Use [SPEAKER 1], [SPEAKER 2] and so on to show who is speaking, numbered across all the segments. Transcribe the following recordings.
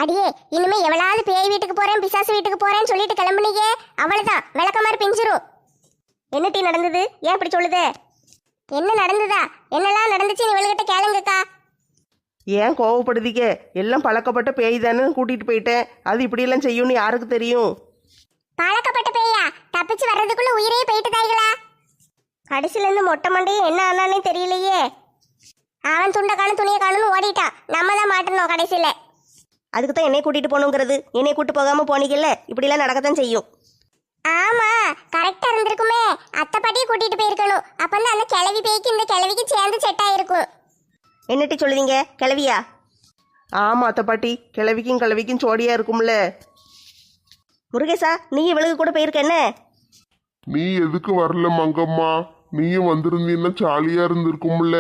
[SPEAKER 1] அடியே இனிமே எவ்வளவு பேய் வீட்டுக்கு போறேன் பிசாசு வீட்டுக்கு போறேன்னு சொல்லிட்டு கிளம்புனீங்க, அவ்வளவுதான் விளக்க மாதிரி பிஞ்சிரும்.
[SPEAKER 2] என்ன டீ நடந்தது? ஏன் இப்படி சொல்லுதே?
[SPEAKER 1] என்ன நடந்ததா? என்னெல்லாம் நடந்துச்சுன்னு இவளுகிட்ட கேளுங்கக்கா.
[SPEAKER 3] ஏன் கோவப்படுதீங்க? எல்லாம் பழக்கப்பட்ட பேய் தானே கூட்டிட்டு போயிட்டேன். அது இப்படியெல்லாம் செய்யும்னு யாருக்கு தெரியும்?
[SPEAKER 1] பழக்கப்பட்ட பேயா? தப்பிச்சு வர்றதுக்குள்ள உயிரே போயிட்டு தாய்களா?
[SPEAKER 2] கடைசில இருந்து மொட்டை மண்டையும் என்ன ஆனானே தெரியலையே.
[SPEAKER 1] அவன் துண்டை காணும் துணியை காணும்னு ஓடிட்டான். நம்ம தான் மாட்டணும் கடைசியில.
[SPEAKER 2] அதுக்கு தான் என்னை கூட்டிட்டு போகணுங்கிறது. என்னை கூட்டு போகாம போனீங்கல்ல, இப்படிலாம் நடக்கத்தான் செய்யும்.
[SPEAKER 1] ஆமா, கரெக்டா இருந்திருக்குமே. அத்தை பாட்டியை கூட்டிட்டு போயிருக்கணும். அப்பந்தான் அந்த கிளவி பேய்க்கு இந்த கிளவிக்கு சேர்ந்து செட் ஆயிருக்கும்.
[SPEAKER 2] என்ன டீ சொல்லுவீங்க? கிளவியா?
[SPEAKER 3] ஆமா அத்தை பாட்டி, கிழவிக்கும் கிழவிக்கும் சோடியா இருக்கும்ல.
[SPEAKER 2] முருகேசா, நீ இவளுக்கு கூட போயிருக்க என்ன?
[SPEAKER 4] நீ எதுக்கு வரல மங்கம்மா? நீயும் வந்திருந்தீன்னா ஜாலியா இருந்திருக்கும்ல.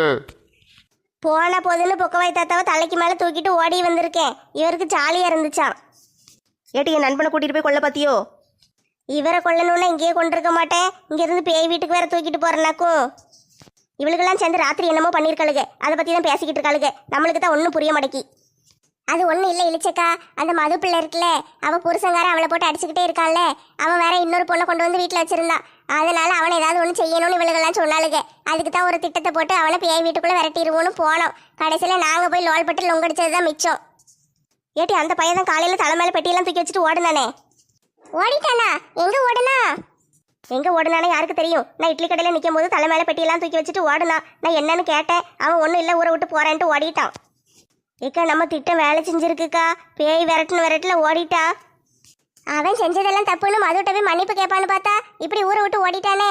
[SPEAKER 2] போன போதுன்னு பொக்கவாய் தாத்தாவை தலைக்கு மேலே தூக்கிட்டு ஓடி வந்திருக்கேன். இவருக்கு ஜாலியாக இருந்துச்சான். ஏட்டி, என் நண்பனை கூட்டிகிட்டு போய் கொல்ல பார்த்தியோ? இவரை கொல்லணுன்னா இங்கேயே கொண்டிருக்க மாட்டேன். இங்கேருந்து பேய் வீட்டுக்கு வேற தூக்கிட்டு போகிறேன்னாக்கும். இவளுக்கெல்லாம் சேர்ந்து ராத்திரி என்னமோ பண்ணியிருக்காளுங்க. அதை பற்றி தான் பேசிக்கிட்டு இருக்காளுங்க. நம்மளுக்கு தான் ஒன்றும் புரிய மாட்டேக்கி.
[SPEAKER 1] அது ஒன்றும் இல்லை இழிச்சக்கா. அந்த மது பிள்ளை இருக்குல்ல, அவள் புருஷங்கார அவளை போட்டு அடிச்சுக்கிட்டே இருக்கான்ல. அவன் வேற இன்னொரு பொண்ணை கொண்டு வந்து வீட்டில் வச்சிருந்தான். அதனால அவனை ஏதாவது ஒன்று செய்யணும்னு இவளுகெல்லாம் சொன்னாளுங்க. அதுக்கு தான் ஒரு திட்டத்தை போட்டு அவனை பேய் வீட்டுக்குள்ளே விரட்டிடுவோன்னு போனோம். கடைசியில் நாங்கள் போய் லோல் பட்டு லொங்கடிச்சது தான் மிச்சம்.
[SPEAKER 2] ஏட்டி, அந்த பையன் தான் காலையில் தலை மேலே பெட்டியெல்லாம் தூக்கி வச்சுட்டு ஓடுனானே.
[SPEAKER 1] ஓடிட்டானா? எங்கே ஓடுனா?
[SPEAKER 2] எங்கே ஓடுனானே யாருக்கு தெரியும்? நான் இட்லி கடையில் நிற்கும் போது தலை மேலே பெட்டியெல்லாம் தூக்கி வச்சுட்டு ஓடுனான். நான் என்னன்னு கேட்டேன். அவன் ஒன்றும் இல்லை, ஊரை விட்டு போகிறேன்ட்டு ஓடிட்டான். ஏக்கா, நம்ம திட்டம் வேலை செஞ்சிருக்குக்கா. பேய் விரட்டுல ஓடிட்டா.
[SPEAKER 1] அவன் செஞ்சதெல்லாம் தப்புன்னு மதுட்ட போய் மன்னிப்பு கேட்பான்னு பார்த்தா இப்படி ஊரை விட்டு ஓடிட்டானே.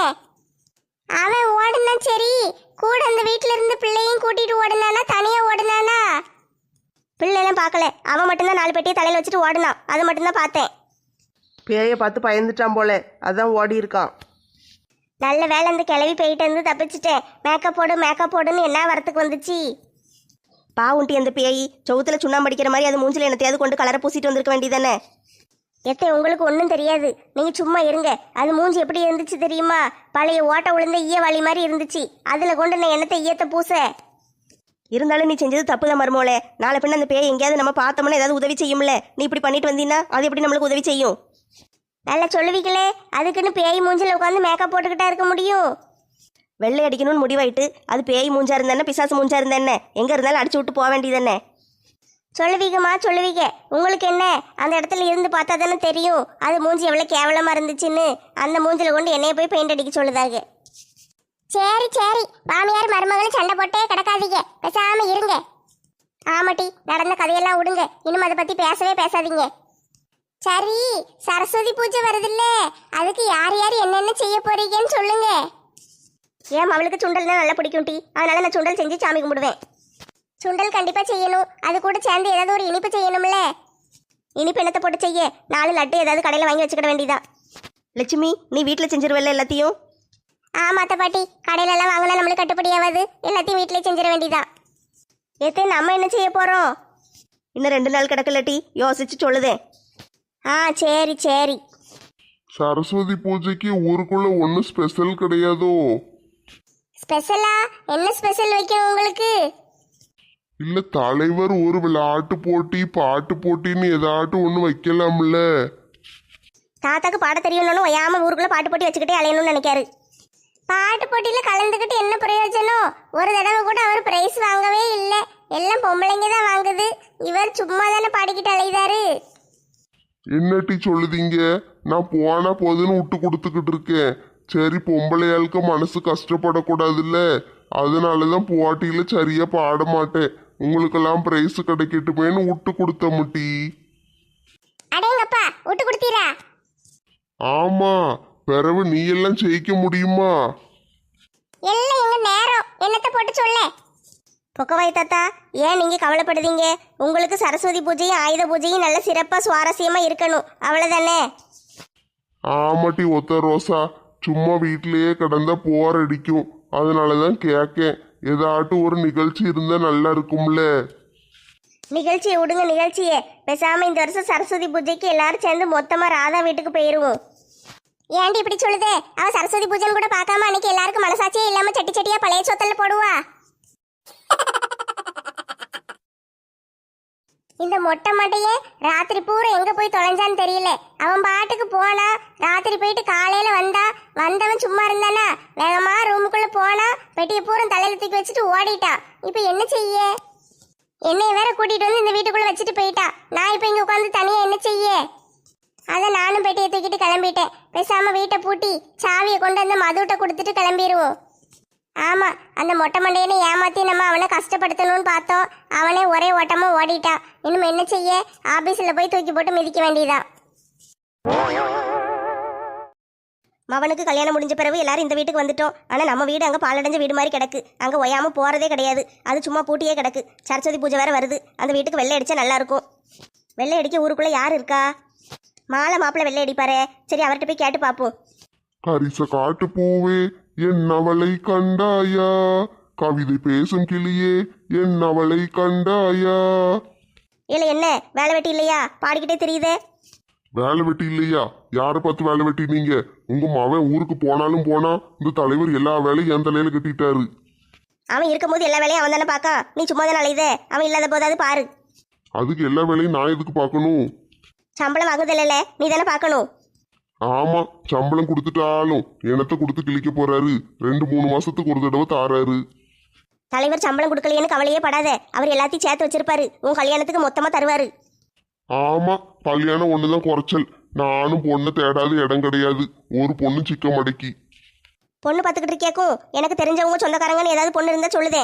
[SPEAKER 1] அவன் ஓடுனா சரி, கூட அந்த வீட்டில இருந்து பிள்ளையும் கூட்டிட்டு ஓடுனானா தனியா ஓடுனானா?
[SPEAKER 2] பிள்ளைலாம் பார்க்கல. அவன் மட்டும்தான் 4 பெட்டியை தலையில் வச்சுட்டு ஓடுனான். அது மட்டும்தான் பார்த்தேன்.
[SPEAKER 3] பேயை பார்த்து பயந்துட்டான் போல, அதான் ஓடி இருக்கான்.
[SPEAKER 2] நல்ல வேலை இந்த கிளவி போயிட்டு வந்து தப்பிச்சிட்டேன். மேக்கப் போடுன்னு என்ன வரத்துக்கு வந்துச்சு? பாவுண்டி அந்த பேய் சவுத்துல சுண்ணாம்பு அடிக்கிற மாதிரி அது மூஞ்சில என்னத்தையாவது கொண்டு கலரை பூசிட்டு வந்திருக்க வேண்டியதானே. எத்தை, உங்களுக்கு ஒன்றும் தெரியாது. நீங்கள் சும்மா இருங்க. அது மூஞ்சி எப்படி இருந்துச்சு தெரியுமா? பழைய ஓட்ட உளுந்த ஈய வாளி மாதிரி இருந்துச்சு. அதில் கொண்டு நான் என்னத்தை ஈயத்தை பூச. இருந்தாலும் நீ செஞ்சது தப்பு தான் மருமோளே. நாளை பின்ன அந்த பேய் எங்கேயாவது நம்ம பார்த்தோம்னா ஏதாவது உதவி செய்யும்ல. நீ இப்படி பண்ணிட்டு வந்தீங்கன்னா அது எப்படி நம்மளுக்கு உதவி செய்யும்? நல்லா சொல்லுவீங்களே. அதுக்குன்னு பேய் மூஞ்சில் உட்காந்து மேக்கப் போட்டுக்கிட்டா இருக்க முடியும்? வெள்ளை அடிக்கணும்னு முடிவாயிட்டு அது பேய் மூஞ்சா இருந்தானே பிசாசு மூஞ்சா இருந்தானே, எங்கே இருந்தாலும் அடிச்சு விட்டு போக வேண்டியதானே. சொல்லுவீங்கம்மா, சொல்லுவீங்க. உங்களுக்கு என்ன, அந்த இடத்துல இருந்து பார்த்தா தானே தெரியும் அது மூஞ்சி எவ்வளோ கேவலமாக இருந்துச்சுன்னு. அந்த மூஞ்சில் கொண்டு என்னைய போய் பெயிண்ட் அடிக்க சொல்லுதாங்க.
[SPEAKER 1] சரி சரி, மாமியார் மருமகளும் சண்டை போட்டே கிடக்காதீங்க, பேசாம இருங்க.
[SPEAKER 2] ஆமாட்டி, நடந்த கதையெல்லாம் விடுங்க. இன்னும் அதை பற்றி பேசவே பேசாதீங்க.
[SPEAKER 1] சரி, சரஸ்வதி பூஜை வருதுல்ல, அதுக்கு யார் யார் என்னென்ன செய்ய போறீங்கன்னு சொல்லுங்க.
[SPEAKER 2] ஏன் அவளுக்கு சுண்டல்னா நல்லா பிடிக்கும் டீ. அதனால நான் சுண்டல் செஞ்சு சாமி கும்பிடுவேன்.
[SPEAKER 1] சுண்டல் கண்டிப்பா செய்யணும். அது கூட சேர்ந்து ஏதாவது ஒரு இனிப்பு செய்யணும்ல.
[SPEAKER 2] இனிப்பு என்னத்தை போட்டு செய்ய? 4 லட்டு ஏதாவது கடையில் வாங்கி வச்சுக்கிட வேண்டியதா. லட்சுமி, நீ வீட்டில் செஞ்சிருவல்ல எல்லாத்தையும்?
[SPEAKER 1] ஆமாத்த பாட்டி, கடையில எல்லாம் வாங்கினா நம்மளுக்கு கட்டுப்படி ஆகாது. எல்லாத்தையும் வீட்டிலே செஞ்சிட வேண்டியதா.
[SPEAKER 2] எத்தே, நம்ம என்ன செய்ய போறோம்? இன்னும் 2 நாள் கிடக்கல டீ, யோசிச்சு சொல்லுதேன். சரி சரி.
[SPEAKER 4] சரஸ்வதி பூஜைக்கு ஊருக்குள்ள ஒன்றும் ஸ்பெஷல் கிடையாதோ?
[SPEAKER 1] ஸ்பெஷலா? என்ன ஸ்பெஷல் வைக்கணும் உங்களுக்கு?
[SPEAKER 4] இல்ல தலைவர் ஒரு விளையாட்டு போட்டி பாட்டு போட்டின்னு ஏதாட்டும் ஒன்று வைக்கலாம்ல.
[SPEAKER 2] தாத்தாக்கு பாட தெரியணும்னு ஒய்யாம ஊருக்குள்ள பாட்டு போட்டி வச்சுக்கிட்டே அலையணும்னு நினைக்காரு.
[SPEAKER 1] பாட்டு போட்டியில கலந்துக்கிட்டு என்ன பிரயோஜனம்? ஒரு தடவை கூட அவர் பிரைஸ் வாங்கவே இல்லை. எல்லாம் பொம்பளைங்க தான் வாங்குது. இவர் சும்மா தானே பாடிக்கிட்டு அலையுதாரு.
[SPEAKER 4] என்னட்டி சொல்லுதீங்க? நான் போனா போதுன்னு விட்டு கொடுத்துக்கிட்டு இருக்கேன். சரி, பொம்பளையாளுக்கு மனசு கஷ்டப்படக்கூடாதுல்ல, அதனாலதான் போட்டியில சரியா பாட மாட்டேன். உங்களுக்கெல்லாம் பிரைஸ் கிடைக்கட்டுமேன்னு விட்டு கொடுத்த முட்டி.
[SPEAKER 1] அடேங்கப்பா, விட்டு கொடுத்தீரா?
[SPEAKER 4] ஆமா, பிறகு நீ எல்லாம் ஜெயிக்க முடியுமா?
[SPEAKER 1] எல்லாம் எங்க நேரம். என்னத்தை போட்டு சொல்ல?
[SPEAKER 2] பொக்கவாய் தாத்தா, ஏன் நீங்க கவலைப்படுதீங்க? உங்களுக்கு சரஸ்வதி பூஜையும் ஆயுத பூஜையும் நல்ல சிறப்பா சுவாரஸ்யமா இருக்கணும், அவ்வளவுதானே.
[SPEAKER 4] ஆமாட்டி ஒத்த ரோசா, சும்மா வீட்டிலேயே கிடந்தா போர் அடிக்கும். அதனாலதான் கேட்கேன், ஏதாட்டும் ஒரு நிகழ்ச்சி இருந்தா நல்லா இருக்கும்ல.
[SPEAKER 2] நிகழ்ச்சியை விடுங்க நிகழ்ச்சியே. பேசாம இந்த வருஷம் சரஸ்வதி பூஜைக்கு எல்லாரும் சேர்ந்து மொத்தமா ராதா வீட்டுக்கு போயிருவோம்.
[SPEAKER 1] ஏன்டி இப்படி சொல்லுதே? அவ சரஸ்வதி பூஜைன்னு கூட பார்க்காம அன்னைக்கு எல்லாருக்கும் மனசாட்சியே இல்லாம சட்டி சட்டியா பழைய சொத்தல்ல போடுவா. இந்த மொட்டை மட்டையே ராத்திரி பூரா எங்க போய் தொலைஞ்சான்னு தெரியல. அவன் பாட்டுக்கு போனா, ராத்திரி போயிட்டு காலையில வந்தவன் சும்மா இருந்தானா, வேகமா ரூமுக்குள்ள போனா, பெட்டியை பூரா தலையில தூக்கி வச்சுட்டு ஓடிட்டான். இப்ப என்ன செய்ய? என்னைய வேற கூட்டிட்டு வந்து இந்த வீட்டுக்குள்ள வச்சுட்டு போயிட்டான். நான் இப்ப இங்க உட்காந்து தனியா என்ன செய்ய? அதான் நானும் பெட்டியை தூக்கிட்டு கிளம்பிட்டேன். பேசாம வீட்டை பூட்டி சாவியை கொண்டு வந்து மதுட்ட கொடுத்துட்டு கிளம்பிடுவோம். ஆமா, அந்த மொட்டை மண்டையனை ஏமாத்தி நம்ம அவனை கஷ்டப்படுத்தணும்னு பார்த்தோம். அவனே ஒரே ஓட்டமா ஓடிட்டான். இன்னும் என்ன செய்ய? ஆபீஸ்ல போய் தூக்கி போட்டு மிதிக்க வேண்டியதான்.
[SPEAKER 2] மவனுக்கு கல்யாணம் முடிஞ்ச பிறகு எல்லாரும் இந்த வீட்டுக்கு வந்துட்டோம். ஆனா நம்ம வீடு அங்க பாலடைஞ்ச வீடு மாதிரி கிடக்கு. அங்க ஒயாம போறதே கிடையாது. அது சும்மா பூட்டியே கிடக்கு. சரஸ்வதி பூஜை வேற வருது. அந்த வீட்டுக்கு வெள்ளை அடிச்சா நல்லா இருக்கும். வெள்ளை அடிக்க ஊருக்குள்ள யார் இருக்கா? மாலை மாப்பிள்ளை வெள்ளை அடிப்பாரு. சரி, அவர்கிட்ட போய் கேட்டு பார்ப்போம்.
[SPEAKER 4] கரிச காட்டு பூவே என் அவளை கண்டாயா, கவிதை பேசும் கிளியே என் அவளை கண்டாயா.
[SPEAKER 2] இல்ல என்ன வேலை வெட்டி இல்லையா? பாடிக்கிட்டே தெரியுதே.
[SPEAKER 4] வேலை வெட்டி இல்லையா? யாரை பார்த்து வேலை வெட்டினீங்க? உங்க மவன் ஊருக்கு போனாலும் போனா, இந்த தலைவர் எல்லா வேலையும் என் தலையில கட்டிட்டாரு.
[SPEAKER 2] அவன் இருக்கும்போது எல்லா வேலையும் அவன் தானே பார்க்கா. நீ சும்மா தானே அலையுதே. அவன் இல்லாத போதாவது பாரு.
[SPEAKER 4] அதுக்கு எல்லா வேலையும் நான் எதுக்கு பார்க்கணும்?
[SPEAKER 2] சம்பளம் வாங்குதில்ல, நீ தானே பார்க்கணும்.
[SPEAKER 4] ஆமா, சம்பளம் கொடுத்துட்டாலும் எனத்த கொடுத்து கிழிக்க போறாரு. 2-3 மாசத்துக்கு ஒரு தடவை தாராரு.
[SPEAKER 2] தலைவர் சம்பளம் கொடுக்கலையேன்னு கவலையே படாத. அவர் எல்லாத்தையும் சேர்த்து வச்சிருப்பாரு. உன் கல்யாணத்துக்கு மொத்தமா தருவாரு.
[SPEAKER 4] ஆமா, கல்யாணம் ஒண்ணுதான் குறைச்சல். நானும் பொண்ணை தேடாத இடம் கிடையாது. ஒரு பொண்ணு சிக்க மடக்கி.
[SPEAKER 2] பொண்ணு பார்த்துக்கிட்டு இருக்கியாக்கும். எனக்கு தெரிஞ்சவங்க சொந்தக்காரங்கன்னு ஏதாவது பொண்ணு இருந்தா சொல்லுதே.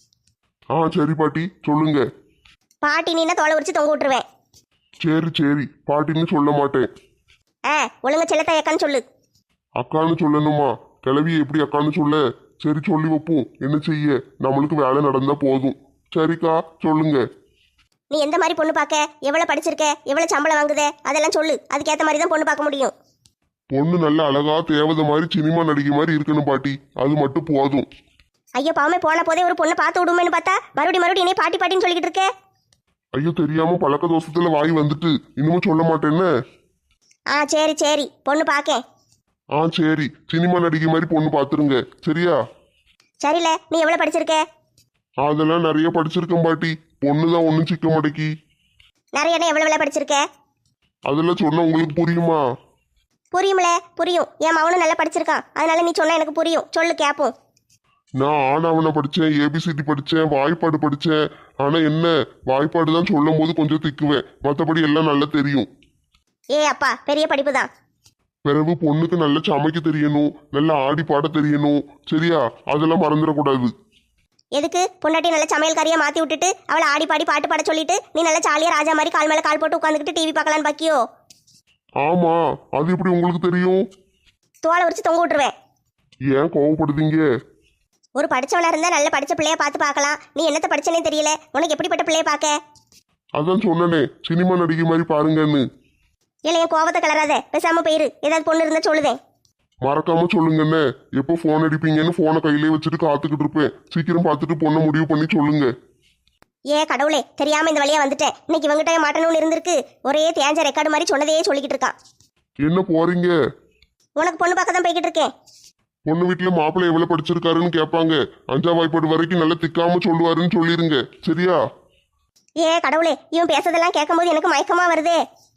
[SPEAKER 4] சரி பாட்டி, சொல்லுங்க.
[SPEAKER 2] பாட்டி நீனா தோலை உரிச்சு தொங்க விட்டுருவேன்.
[SPEAKER 4] சரி, பாட்டின்னு சொல்ல மாட்டேன்.
[SPEAKER 2] ஒழுங்கா செல்லத்தாய் அக்கான்னு சொல்லு.
[SPEAKER 4] அக்கான்னு சொல்லணுமா? கிளவி எப்படி அக்கான்னு சொல்ல? சரி, சொல்லி வைப்போம். என்ன செய்ய, நம்மளுக்கு வேலை நடந்தா போதும். சரிக்கா, சொல்லுங்க.
[SPEAKER 2] நீ எந்த மாதிரி பொண்ணு பார்க்க, எவ்வளவு படிச்சிருக்க, எவ்வளவு சம்பளம் வாங்குதே, அதெல்லாம் சொல்லு. அதுக்கேற்ற மாதிரி தான் பொண்ணு பார்க்க முடியும்.
[SPEAKER 4] பொண்ணு நல்ல அழகா தேவதை மாதிரி சினிமா நடிகை மாதிரி இருக்கணும் பாட்டி. அது மட்டும் போதும்.
[SPEAKER 2] ஐயோ பாவமே, போன போதே ஒரு பொண்ணை பார்த்து விடுமேன்னு பார்த்தா மறுபடியும் என்னை பாட்டி பாட்டின்னு சொல்லிக்கிட்டு இருக்க.
[SPEAKER 4] ஐயோ, தெரியாம பழக்க தோசத்துல வாய் வந்துட்டு இன்னும் சொல்ல மாட்டேன்னு.
[SPEAKER 2] சரி பொண்ணு பார்க்கேன்.
[SPEAKER 4] சரி, சினிமா நடிகை மாதிரி பொண்ணு பார்த்துருங்க. சரியா?
[SPEAKER 2] சரில, நீ எவ்வளவு படிச்சிருக்க?
[SPEAKER 4] அதெல்லாம் நிறைய படிச்சிருக்கேன் பாட்டி. பொண்ணுதான் ஒன்றும் சிக்க மாட்டேக்கி.
[SPEAKER 2] நிறைய எவ்வளவு படிச்சிருக்க?
[SPEAKER 4] அதெல்லாம் சொன்னா உங்களுக்கு புரியுமா?
[SPEAKER 2] புரியும்ல, புரியும். என் மவனும் நல்லா படிச்சிருக்கான். அதனால நீ சொன்னா எனக்கு புரியும். சொல்லு கேப்போம்.
[SPEAKER 4] நான் ஆனாவனை படித்தேன், ஏபிசிடி படித்தேன், வாய்ப்பாடு படித்தேன். ஆனால் என்ன, வாய்ப்பாடு தான் சொல்லும் போது கொஞ்சம் திக்குவேன். மற்றபடி எல்லாம் நல்லா தெரியும்.
[SPEAKER 2] அப்பா, பெரிய படிப்பு தான்.
[SPEAKER 4] பிறகு பொண்ணுக்கு நல்லா சமைக்க தெரியணும், நல்லா ஆடி பாட தெரியணும். சரியா? அதெல்லாம் மறந்துடக்கூடாது.
[SPEAKER 2] எதுக்கு? பொண்டாட்டி நல்ல சமையல்காரியா மாத்தி விட்டுட்டு அவளை ஆடி பாடி பாட்டு பாட சொல்லிட்டு நீ நல்ல ஜாலியா ராஜா மாதிரி கால் மேல கால் போட்டு உட்காந்துக்கிட்டு டிவி பார்க்கலான்னு பாக்கியோ?
[SPEAKER 4] ஆமா, அது எப்படி உங்களுக்கு தெரியும்?
[SPEAKER 2] தோலை உரிச்சு தொங்க விட்டுருவேன்.
[SPEAKER 4] ஏன் கோவப்படுதீங்க?
[SPEAKER 2] ஒரு படிச்சவனா இருந்தா நல்ல படிச்ச பிள்ளைய பார்த்து பார்க்கலாம். நீ என்னத்த படிச்சனே தெரியல. உனக்கு எப்படிப்பட்ட பிள்ளைய பார்க்க?
[SPEAKER 4] அதான் சொன்னனே, சினிமா நடிகை மாதிரி பாருங்கன்னு.
[SPEAKER 2] இல்ல, என் கோவத்தை கிளறாத. பேசாம போயிரு. ஏதாவது பொண்ணு இருந்தா சொல்லுதேன்.
[SPEAKER 4] மறக்காம சொல்லுங்கண்ணே. எப்போ போன் அடிப்பீங்கன்னு போனை கையிலே வச்சுட்டு காத்துக்கிட்டு இருப்பேன். சீக்கிரம் பார்த்துட்டு பொண்ணை முடிவு பண்ணி சொல்லுங்க.
[SPEAKER 2] கடவுளே, தெரியாம இந்த வழியா வந்துட்டேன். இன்னைக்கு இவங்கிட்ட மாட்டணும்னு இருந்திருக்கு. ஒரே தேஞ்ச ரெக்கார்டு மாதிரி சொன்னதையே சொல்லிக்கிட்டு இருக்கான்.
[SPEAKER 4] என்ன போறீங்க?
[SPEAKER 2] உனக்கு பொண்ணு பார்க்க தான் போய்கிட்டு இருக்கேன்.
[SPEAKER 4] பொண்ணு வீட்டுல மாப்பிள்ளை எவ்வளவு படிச்சிருக்காருன்னு கேட்பாங்க. 5ஆம் வாய்ப்பாடு வரைக்கும் நல்லா திக்காம சொல்லுவாருன்னு சொல்லிருங்க. சரியா?
[SPEAKER 2] கடவுளே, இவன் பேசுறதெல்லாம் கேட்கும் போது எனக்கு மயக்கமா வருதே.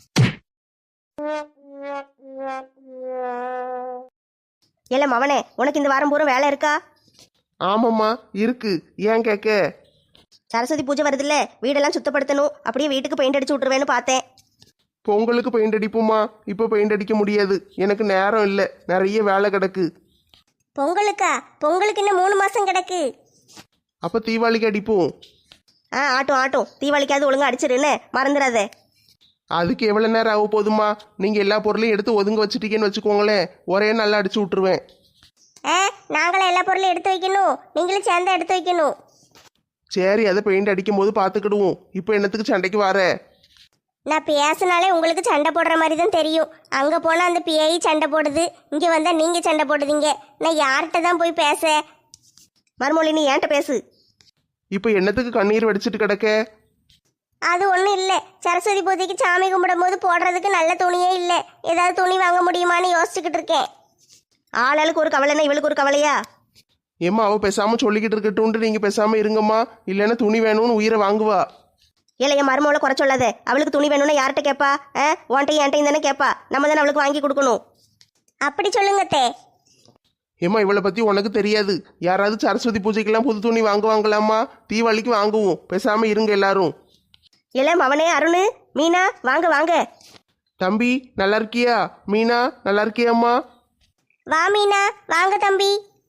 [SPEAKER 2] இல்ல மவனே, உனக்கு இந்த வாரம் பூரா வேலை இருக்கா?
[SPEAKER 3] ஆமாம்மா, இருக்கு. ஏன் கேட்க?
[SPEAKER 2] சரஸ்வதி பூஜை வருதுல்ல, வீடெல்லாம் சுத்தப்படுத்தணும். அப்படியே வீட்டுக்கு பெயிண்ட் அடிச்சு விட்டுருவேன்னு பார்த்தேன்.
[SPEAKER 3] பொங்கலுக்கு பெயிண்ட் அடிப்போம்மா. இப்போ பெயிண்ட் அடிக்க முடியாது, எனக்கு நேரம் இல்லை. நிறைய வேலை கிடக்கு.
[SPEAKER 2] பொங்கலுக்கா? பொங்கலுக்கு இன்னும் 3 மாசம் கிடக்கு.
[SPEAKER 3] அப்போ தீபாவளிக்கு அடிப்போம்.
[SPEAKER 2] ஆட்டும். தீபாவளிக்காவது ஒழுங்கா அடிச்சிருன்னு மறந்துடாத.
[SPEAKER 3] அதுக்கு எவ்வளோ நேரம் ஆக போதுமா? நீங்கள் எல்லா பொருளையும் எடுத்து ஒதுங்க வச்சுட்டீங்கன்னு வச்சுக்கோங்களேன், ஒரே நல்லா அடிச்சு விட்டுருவேன்.
[SPEAKER 1] நாங்களும் எல்லா பொருளையும் எடுத்து வைக்கணும், நீங்களும் சேர்ந்து எடுத்து வைக்கணும்.
[SPEAKER 3] சரி, அதை பெயிண்ட் அடிக்கும் போது பார்த்துக்கிடுவோம். இப்போ என்னத்துக்கு சண்டைக்கு வர?
[SPEAKER 1] நான் பேசினாலே உங்களுக்கு சண்டை போடுற மாதிரி தான் தெரியும். அங்கே போனால் அந்த பிஐ சண்டை போடுது, இங்கே வந்தால் நீங்கள் சண்டை போடுதீங்க. நான் யார்கிட்ட தான் போய் பேச?
[SPEAKER 2] மறுமொழி, நீ ஏன்ட்ட பேசு.
[SPEAKER 3] இப்போ என்னத்துக்கு கண்ணீர் வடிச்சிட்டு கிடக்க?
[SPEAKER 1] அது ஒன்றும் இல்லை. சரஸ்வதி பூஜைக்கு சாமி கும்பிடும் போது போடுறதுக்கு நல்ல துணியே இல்லை. ஏதாவது துணி வாங்க முடியுமான்னு யோசிச்சுக்கிட்டு இருக்கேன்.
[SPEAKER 2] ஆளுக்கு ஒரு கவலைன்னா இவளுக்கு ஒரு கவலையா?
[SPEAKER 3] ஏம்மா, அவள் பேசாமல் சொல்லிக்கிட்டு இருக்கட்டும்ன்ட்டு நீங்கள் பேசாமல் இருங்கம்மா. இல்லைன்னா துணி வேணும்னு உயிரை வாங்குவா.
[SPEAKER 2] ஏல என் மருமகளை குறை சொல்லாத. அவளுக்கு துணி வேணும்னா யார்கிட்ட கேட்பா? உன்ட்டையும் என்கிட்டையும் தானே கேட்பா. நம்ம தானே அவளுக்கு வாங்கி கொடுக்கணும்.
[SPEAKER 1] அப்படி சொல்லுங்க அத்தை.
[SPEAKER 3] ஏம்மா இவளை பற்றி உனக்கு தெரியாது. யாராவது சரஸ்வதி பூஜைக்கெல்லாம் புது துணி வாங்குவாங்களாம்மா? தீபாவளிக்கு வாங்குவோம். பேசாமல் இருங்க எல்லாரும்.
[SPEAKER 2] ஏல மவனே அருணு, மீனா, வாங்க வாங்க.
[SPEAKER 3] தம்பி நல்லா இருக்கியா? மீனா நல்லா இருக்கியாம்மா?
[SPEAKER 1] வா மீனா, வாங்க தம்பி.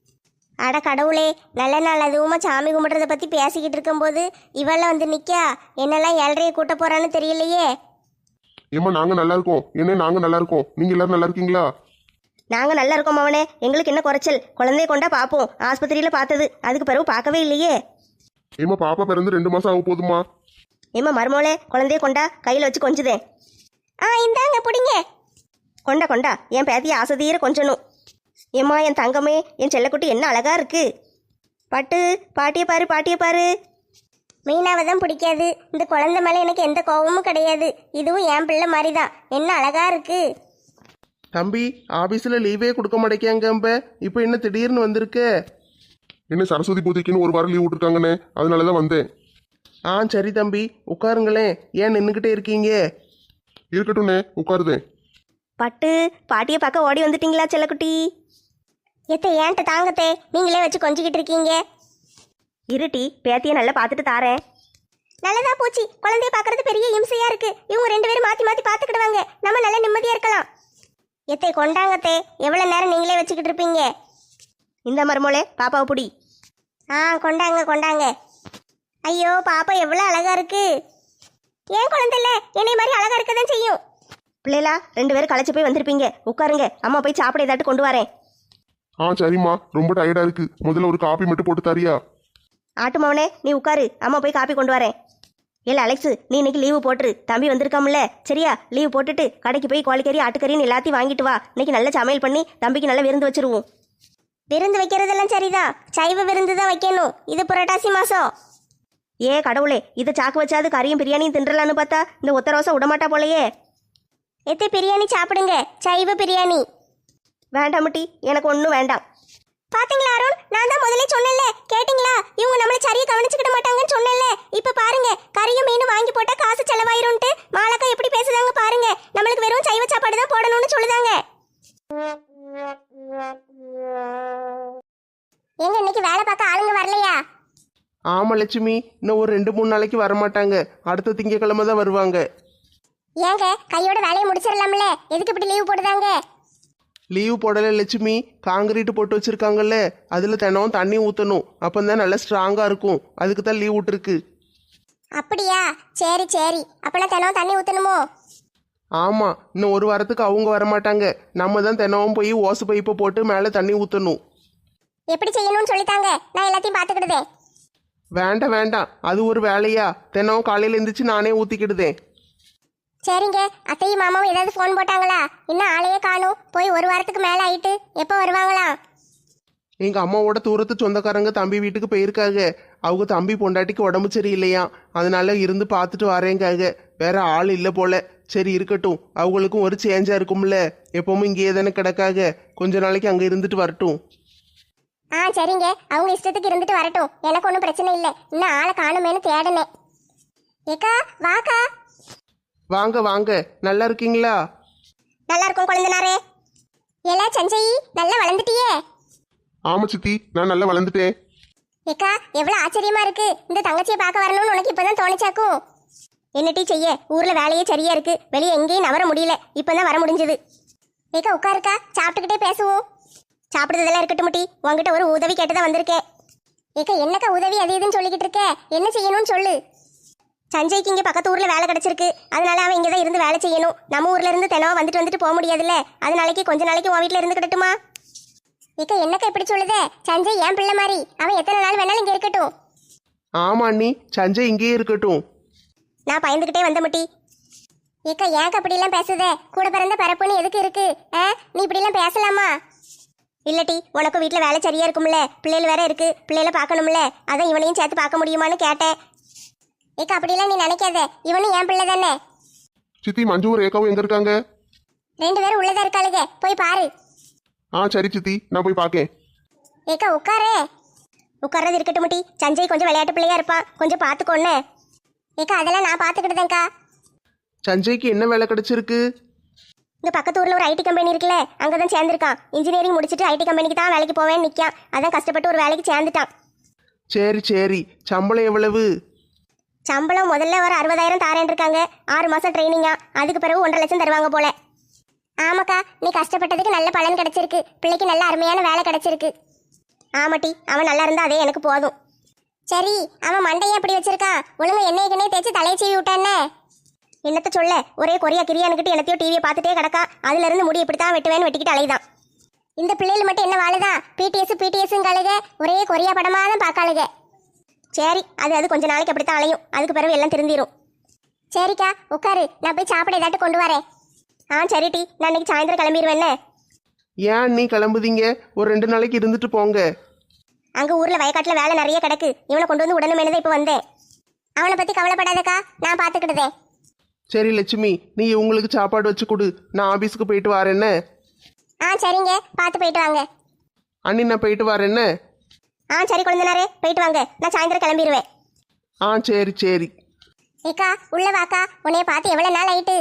[SPEAKER 1] அட கடவுளே, நல்ல நாள் அதுவுமா சாமி கும்பிட்றத பற்றி பேசிக்கிட்டு இருக்கும்போது இவெல்லாம் வந்து நிற்கா. என்னெல்லாம் ஏழ்றையை கூட்ட போகிறான்னு தெரியலையே.
[SPEAKER 4] ஏம்மா நாங்க நல்லா இருக்கோம். என்ன நாங்க நல்லா இருக்கோம். நீங்க எல்லாரும் நல்லா இருக்கீங்களா?
[SPEAKER 2] நாங்கள் நல்லா இருக்கோம் மவனே. எங்களுக்கு என்ன குறைச்சல்? குழந்தைய கொண்டா பார்ப்போம். ஆஸ்பத்திரியில் பார்த்தது, அதுக்கு பிறகு பார்க்கவே இல்லையே.
[SPEAKER 4] ஏம்மா பாப்பா பிறந்து 2 மாசம் ஆக போதுமா?
[SPEAKER 2] ஏம்மா மருமோளே, குழந்தைய கொண்டா கையில் வச்சு கொஞ்சுதேன்.
[SPEAKER 1] இந்தாங்க பிடிங்க.
[SPEAKER 2] கொண்டா கொண்டா, என் பேத்திய ஆசைதீர கொஞ்சணும். ஏம்மா என் தங்கமே, என் செல்லக்குட்டி என்ன அழகா இருக்கு. பட்டு, பாட்டியை பாரு பாட்டியை பாரு.
[SPEAKER 1] மீனாவை தான் பிடிக்காது. இந்த குழந்தை மேலே எனக்கு எந்த கோபமும் கிடையாது. இதுவும் என் பிள்ளை மாதிரி தான். என்ன அழகா இருக்கு.
[SPEAKER 3] தம்பி ஆஃபீஸில் லீவே கொடுக்க மாட்டேங்காங்க. இப்போ என்ன திடீர்னு வந்திருக்க?
[SPEAKER 4] என்ன சரஸ்வதி பூஜைக்குன்னு 1 வாரம் லீவ் விட்டுருக்காங்கண்ணே, அதனால தான் வந்தேன்.
[SPEAKER 3] சரி தம்பி உட்காருங்களேன். ஏன் நின்றுக்கிட்டே இருக்கீங்க?
[SPEAKER 4] இருக்கட்டும்ண்ணே, உட்காருதேன்.
[SPEAKER 2] பட்டு, பாட்டியை பார்க்க ஓடி வந்துட்டீங்களா செல்லக்குட்டி?
[SPEAKER 1] எத்தை ஏன்ட்ட தாங்கத்தே, நீங்களே வச்சு கொஞ்சிக்கிட்டு இருக்கீங்க.
[SPEAKER 2] இருட்டி, பேத்தியை நல்லா பார்த்துட்டு தாரேன்.
[SPEAKER 1] நல்லதா போச்சு. குழந்தைய பார்க்கறது பெரிய இம்சையா இருக்கு. இவங்க 2 பேரும் மாத்தி மாத்தி பார்த்துக்கிடுவாங்க. நம்ம நல்ல நிம்மதியா இருக்கலாம். எத்தை கொண்டாங்கத்தே. எவ்வளவு நேரம் நீங்களே வச்சுக்கிட்டு இருப்பீங்க?
[SPEAKER 2] இந்த மருமோளே, பாப்பாவை பிடி.
[SPEAKER 1] கொண்டாங்க கொண்டாங்க. ஐயோ பாப்பா எவ்வளவு அழகா இருக்கு. ஏன் குழந்தை இல்ல, என்னை மாதிரி அழகா இருக்கதான் செய்யும்.
[SPEAKER 2] பிள்ளைகளா 2 பேரும் களைச்சு போய் வந்திருப்பீங்க. உட்காருங்க, அம்மா போய் சாப்பிட ஏதாட்டு கொண்டு வரேன்.
[SPEAKER 4] சரிம்மா, ரொம்ப டயர்டா இருக்கு. முதல்ல ஒரு காபி மட்டும் போட்டு தரியா?
[SPEAKER 2] ஆட்டு மவனே, நீ உட்காரு, அம்மா போய் காப்பி கொண்டு வரேன். இல்லை அலெக்ஸு, நீ இன்னைக்கு லீவு போட்டுரு. தம்பி வந்திருக்காமல, சரியா? லீவு போட்டுட்டு கடைக்கு போய் கோழிக்கறி ஆட்டுக்கறின்னு எல்லாத்தையும் வாங்கிட்டு வா. இன்னைக்கு நல்ல சமையல் பண்ணி தம்பிக்கு நல்ல விருந்து வச்சிருவோம்.
[SPEAKER 1] விருந்து வைக்கிறதெல்லாம் சரிதான். சைவ விருந்து தான் வைக்கணும். இது புரட்டாசி மாசம்.
[SPEAKER 2] கடவுளே, இதை சாக்கு வச்சாது கறியும் பிரியாணியும் தின்றலான்னு பார்த்தா இந்த ஒத்த ரோசை விடமாட்டா போலையே.
[SPEAKER 1] எத்தை பிரியாணி சாப்பிடுங்க, சைவ பிரியாணி.
[SPEAKER 2] வேண்டாமட்டி, எனக்கு ஒன்றும் வேண்டாம்.
[SPEAKER 1] பாத்தீங்களா அருண், நான் தான் முதல்ல சொன்னேன்ல, கேட்டிங்களா? இவங்க நம்மள சரியா கவனிச்சுக்கிட மாட்டாங்கன்னு சொன்னேன்ல. இப்ப பாருங்க, கறியும் மீனும் வாங்கி போட்டா காசு செலவாயிரும்ட்டு மாலக்கா எப்படி பேசுதாங்க பாருங்க. நம்மளுக்கு வெறும் சைவ சாப்பாடு தான் போடணும்னு சொல்லுதாங்க. எங்க இன்னைக்கு வேலை பார்க்க ஆளுங்க வரலையா?
[SPEAKER 3] ஆமாம் லட்சுமி, இன்னும் ஒரு 2-3 நாளைக்கு வரமாட்டாங்க. அடுத்த திங்கக்கிழமை தான் வருவாங்க.
[SPEAKER 1] ஏங்க கையோட வேலையை முடிச்சிடலாம்ல, எதுக்கு இப்படி லீவ் போடுதாங்க?
[SPEAKER 3] லீவு போடலை லட்சுமி. காங்கிரீட் போட்டு வச்சிருக்காங்கல்ல, அதில் தினம் தண்ணி ஊற்றணும். அப்போ தான் நல்லா ஸ்ட்ராங்காக இருக்கும். அதுக்கு தான் லீவ் விட்டுருக்கு.
[SPEAKER 1] அப்படியா? சரி சரி. அப்பெல்லாம் தினம் தண்ணி ஊற்றணுமோ?
[SPEAKER 3] ஆமாம், இன்னும் 1 வாரத்துக்கு அவங்க வரமாட்டாங்க. நம்ம தான் தினமும் போய் ஓசு பைப்பை போட்டு மேலே தண்ணி ஊற்றணும்.
[SPEAKER 1] எப்படி செய்யணும்னு சொல்லித்தாங்க, நான் எல்லாத்தையும் பார்த்துக்கிடுதேன்.
[SPEAKER 3] வேண்டாம் வேண்டாம், அது ஒரு வேலையா? தினம் காலையில் எழுந்திரிச்சு நானே ஊற்றிக்கிடுதேன்.
[SPEAKER 1] சரிங்க. அத்தையும் மாமாவும் ஏதாவது ஃபோன் போட்டாங்களா? இன்னும் ஆளையே காணும். போய் 1 வாரத்துக்கு மேலே ஆயிட்டு. எப்போ வருவாங்களா?
[SPEAKER 3] எங்கள் அம்மாவோட தூரத்து சொந்தக்காரங்க தம்பி வீட்டுக்கு போயிருக்காங்க. அவங்க தம்பி பொண்டாட்டிக்கு உடம்பு சரியில்லையா, அதனால இருந்து பார்த்துட்டு வரேங்காக. வேற ஆள் இல்லை போல. சரி இருக்கட்டும், அவங்களுக்கும் ஒரு சேஞ்சாக இருக்கும்ல. எப்பவும் இங்கேயே தானே கிடக்காக. கொஞ்ச நாளைக்கு அங்கே இருந்துட்டு வரட்டும்.
[SPEAKER 1] சரிங்க. அவங்க இஷ்டத்துக்கு இருந்துட்டு வரட்டும். எனக்கு ஒன்றும் பிரச்சனை இல்லை. இன்னும் ஆளை காணுமேனு தேடினேன். ஏக்கா வாக்கா.
[SPEAKER 3] வாங்க வாங்க, நல்லா இருக்கீங்களா?
[SPEAKER 1] நல்லா இருக்கும் குழந்தனாரே. ஏலா சஞ்சயி, நல்லா வளர்ந்துட்டியே.
[SPEAKER 4] ஆமா சித்தி, நான் நல்லா வளர்ந்துட்டேன்.
[SPEAKER 1] ஏக்கா எவ்வளவு ஆச்சரியமா இருக்கு. இந்த தங்கச்சியை பார்க்க வரணும்னு உனக்கு இப்பதான் தோணிச்சாக்கும். என்னட்டி செய்ய, ஊர்ல வேலையே சரியா இருக்கு. வெளியே எங்கேயும் நவர முடியல. இப்பதான் வர முடிஞ்சது. ஏக்கா உட்காருக்கா, சாப்பிட்டுக்கிட்டே பேசுவோம். சாப்பிடுறதெல்லாம் இருக்கட்டும் முட்டி, உங்ககிட்ட ஒரு உதவி கேட்டுதான் வந்திருக்கேன். ஏக்கா என்னக்கா உதவி அது இதுன்னு சொல்லிக்கிட்டு இருக்க? என்ன செய்யணும்னு சொல்லு. சஞ்சய்க்கு இங்கே பக்கத்து ஊரில் வேலை கிடச்சிருக்கு. அதனால அவன் இங்கே தான் இருந்து வேலை செய்யணும். நம்ம ஊர்ல இருந்து தினம் வந்துட்டு போக முடியாதுல்ல. அதனாலைக்கு கொஞ்ச நாளைக்கு உன் வீட்டில் இருந்துக்கிட்டுமா? ஏக்கா என்னக்கா இப்படி சொல்லுதே? சஞ்சய் என் பிள்ளை மாதிரி. அவன் எத்தனை நாள் வேணாலும் இங்கே இருக்கட்டும்.
[SPEAKER 3] ஆமா அண்ணி, சஞ்சய் இங்கேயே இருக்கட்டும்.
[SPEAKER 1] நான் பயந்துக்கிட்டே வந்த முட்டி. ஏக்கா ஏன்க்கா இப்படிலாம் பேசுதே? கூட பிறந்த பரப்புன்னு எதுக்கு இருக்கு? நீ இப்படிலாம் பேசலாமா? இல்லட்டி, உனக்கும் வீட்டில் வேலை சரியா இருக்கும்ல. பிள்ளைகள் வேற இருக்கு, பிள்ளைகளை பார்க்கணும்ல. அதான் இவனையும் சேர்த்து பார்க்க முடியுமான்னு கேட்டேன். ஏக்கா அப்படிலாம் நீ நினைக்காத. இவனும் என் பிள்ளை தானே.
[SPEAKER 4] சித்தி, மஞ்சுவும் ரேகாவும் எங்க இருக்காங்க?
[SPEAKER 1] 2 பேரும் உள்ளதா இருக்காளுங்க, போய் பாரு.
[SPEAKER 4] சரி சித்தி, நான் போய் பார்க்கேன்.
[SPEAKER 1] ஏக்கா உட்காரே. உட்கார்றது இருக்கட்டும் முட்டி. சஞ்சய் கொஞ்சம் விளையாட்டு பிள்ளையா இருப்பான், கொஞ்சம் பார்த்துக்கோன்னு. ஏக்கா அதெல்லாம் நான் பார்த்துக்கிட்டுதேன்க்கா.
[SPEAKER 3] சஞ்சய்க்கு என்ன வேலை கிடைச்சிருக்கு?
[SPEAKER 1] இந்த பக்கத்து ஊர்ல ஒரு ஐடி கம்பெனி இருக்குல்ல, அங்கதான் சேர்ந்திருக்கான். இன்ஜினியரிங் முடிச்சுட்டு ஐடி கம்பெனிக்கு தான் வேலைக்கு போவேன்னு நிக்கான். அதான் கஷ்டப்பட்டு ஒரு வேலைக்கு சேர்ந்துட்டான்.
[SPEAKER 3] சரி சரி, சம்பளம் எவ்வளவு?
[SPEAKER 1] சம்பளம் முதல்ல ஒரு 60,000 தாரேன் இருக்காங்க. 6 மாசம் ட்ரைனிங்கா, அதுக்கு பிறகு 1.5 லட்சம் தருவாங்க போல. ஆமாக்கா, நீ கஷ்டப்பட்டதுக்கு நல்ல பலன் கிடைச்சிருக்கு. பிள்ளைக்கு நல்ல அருமையான வேலை கிடைச்சிருக்கு. ஆமாட்டி, அவன் நல்லா இருந்தா அதே எனக்கு போதும். சரி, அவன் மண்டையை எப்படி வச்சிருக்கான்? ஒழுங்கா எண்ணெய்க்குனே தேய்ச்சி தலையை சீவி விட்டானே. என்னத்த சொல்ல, ஒரே கொரியா கிரியானுக்கிட்டு என்னத்தையோ டிவியை பார்த்துட்டே கிடக்கா. அதுல இருந்து முடி இப்படித்தான் வெட்டுவேன்னு வெட்டிக்கிட்டு அலைதான். இந்த பிள்ளைகள் மட்டும் என்ன வாழுதான்? பிடிஎஸ்ங்காளுக ஒரே கொரியா படமா தான் பார்க்காளுக. சரி, அது கொஞ்ச நாளைக்கு அப்படித்தான் அலையும். அதுக்கு பிறகு எல்லாம் திருந்திரும். சரிக்கா, உட்காரு, நான் போய் சாப்பிட ஏதாட்டு கொண்டு வரேன். சரி டி, நான் இன்னைக்கு சாயந்தரம் கிளம்பிடுவேன்னு.
[SPEAKER 3] ஏன் நீ கிளம்புதீங்க? ஒரு 2 நாளைக்கு இருந்துட்டு போங்க.
[SPEAKER 1] அங்க ஊர்ல வயக்காட்டுல வேலை நிறைய கிடக்கு. இவனை கொண்டு வந்து உடனே இப்ப வந்தேன். அவனை பத்தி கவலைப்படாதக்கா, நான் பாத்துக்கிட்டதே.
[SPEAKER 3] சரி லட்சுமி, நீ உங்களுக்கு சாப்பாடு வச்சு கொடு. நான் ஆபீஸ்க்கு போயிட்டு வரேன்ன.
[SPEAKER 1] சரிங்க, பார்த்து போயிட்டு வாங்க.
[SPEAKER 3] அண்ணி, நான் போயிட்டு வரேன்ன.
[SPEAKER 1] சரி குழந்தைனாரே, போயிட்டு வாங்க. நான் சாயந்தரம் கிளம்பிடுவேன்.
[SPEAKER 3] சரி சரி.
[SPEAKER 1] ஏக்கா உள்ள வாக்கா, உன்னைய பார்த்து எவ்வளவு நாள் ஆயிட்டு.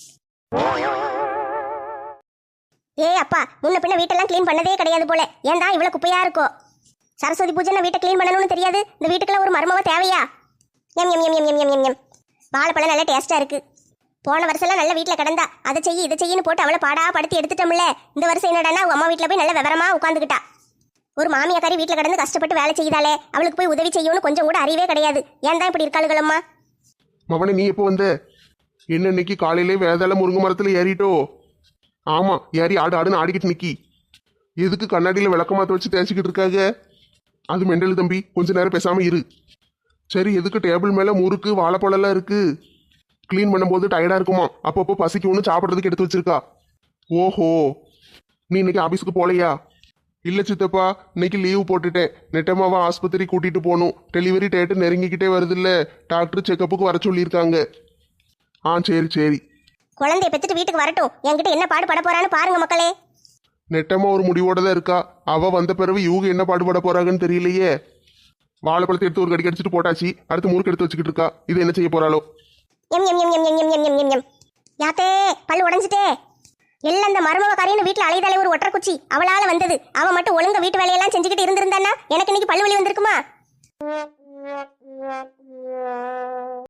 [SPEAKER 1] அப்பா, முன்ன பின்ன வீட்டெல்லாம் க்ளீன் பண்ணதே கிடையாது போல. ஏன்டா இவ்வளவு குப்பையா இருக்கோ? சரஸ்வதி பூஜை வீட்டை க்ளீன் பண்ணணும்னு தெரியாது. இந்த வீட்டுக்குள்ள ஒரு மருமவ தேவையா? எம் எம் எம் எம் எம் எம் எம். வாழைப்பழம் நல்ல டேஸ்டா இருக்கு. போன வருஷம்லாம் நல்ல வீட்டில் கிடந்தா. அதை செய்ய இதை செய்யன்னு போட்டு அவளை பாடா படுத்தி எடுத்துட்டோம்ல. இந்த வருஷம் என்னடானா அவங்க அம்மா வீட்டில் போய் நல்ல விவரமா உட்காந்துக்கிட்டா. ஒரு மாமியாக்காரி வீட்டில் கிடந்து கஷ்டப்பட்டு வேலை செய்தாலே, அவளுக்கு போய் உதவி செய்யணும்னு கொஞ்சம் கூட அறிவே கிடையாது. ஏன் தான் இப்படி இருக்காளுகளம்மா?
[SPEAKER 3] மவனே, நீ எப்போ வந்த? என்ன இன்னைக்கு காலையிலே வேதாள முருங்கை மரத்துல ஏறிட்டோ? ஆமா, ஏறி ஆடுன்னு ஆடிக்கிட்டு நிக்கி. எதுக்கு கண்ணாடியில விளக்கமாத்த வச்சு தேய்ச்சிக்கிட்டு இருக்காங்க? அது மெண்டல் தம்பி, கொஞ்ச நேரம் பேசாம இரு. சரி, எதுக்கு டேபிள் மேல முறுக்கு வாழைப்பழம் எல்லாம் இருக்கு? க்ளீன் பண்ணும்போது டயர்டா இருக்குமா, அப்பப்போ பசிக்கு ஒன்று சாப்பிட்றதுக்கு எடுத்து வச்சிருக்கா. ஓஹோ, நீ இன்னைக்கு ஆபீஸ்க்கு போலையா? இல்ல சித்தப்பா, இன்னைக்கு லீவு போட்டுட்டேன். நெட்டமாவா ஆஸ்பத்திரி கூட்டிட்டு போகணும். டெலிவரி டேட்டு நெருங்கிக்கிட்டே வருதுல்ல, டாக்டர் செக்கப்புக்கு வர சொல்லியிருக்காங்க. சரி சரி.
[SPEAKER 1] குழந்தைய பெற்றுட்டு வீட்டுக்கு வரட்டும். என்கிட்ட என்ன பாடுபட போறான்னு பாருங்க மக்களே.
[SPEAKER 3] நெட்டமா ஒரு முடிவோட தான் இருக்கா. அவ வந்த பிறகு இவங்க என்ன பாடுபட போறாங்கன்னு தெரியலையே. வாழைப்பழத்தை எடுத்து ஒரு கடி கடிச்சிட்டு போட்டாச்சு. அடுத்து முறுக்கு எடுத்து வச்சுக்கிட்டு இருக்கா. இது என்ன செய்ய போறாளோ?
[SPEAKER 1] எம் எம் எம் எம் எம் எம் எம் எம் எம். யாத்தே, பல்லு உடஞ்சிட்டே. எல்லாம் இந்த மருமவ காரின்னு வீட்டுல அலைதாலே ஒரு ஒற்றை குச்சி அவளால வந்தது. அவ மட்டும் ஒழுங்க வீட்டு வேலையெல்லாம் செஞ்சுக்கிட்டு இருந்திருந்தானா எனக்கு இன்னைக்கு பல்லு வலி வந்திருக்குமா?